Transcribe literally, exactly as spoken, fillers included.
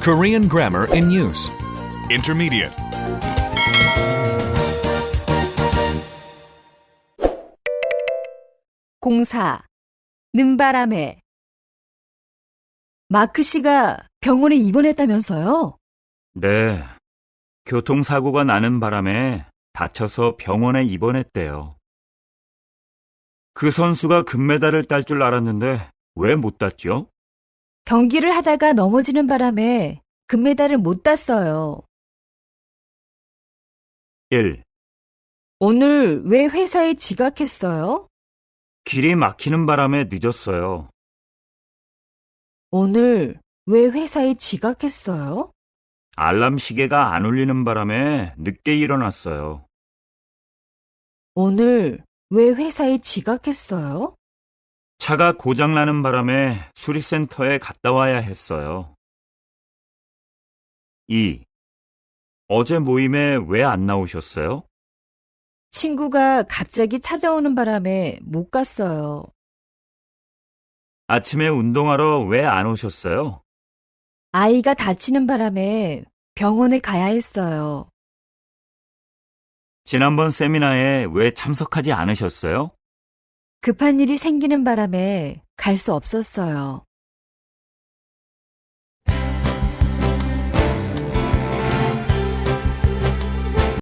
Korean grammar in use. Intermediate. 공사, 는바람에. 마크 씨가 병원에 입원했다면서요? 네. 교통사고가 나는 바람에 다쳐서 병원에 입원했대요. 그 선수가 금메달을 딸 줄 알았는데 왜 못 땄죠? 경기를 하다가 넘어지는 바람에 금메달을 못 땄어요. 일. 오늘 왜 회사에 지각했어요? 길이 막히는 바람에 늦었어요. 오늘 왜 회사에 지각했어요? 알람 시계가 안 울리는 바람에 늦게 일어났어요. 오늘 왜 회사에 지각했어요? 차가 고장나는 바람에 수리센터에 갔다 와야 했어요. 이. 어제 모임에 왜 안 나오셨어요? 친구가 갑자기 찾아오는 바람에 못 갔어요. 아침에 운동하러 왜 안 오셨어요? 아이가 다치는 바람에 병원에 가야 했어요. 지난번 세미나에 왜 참석하지 않으셨어요? 급한 일이 생기는 바람에 갈 수 없었어요.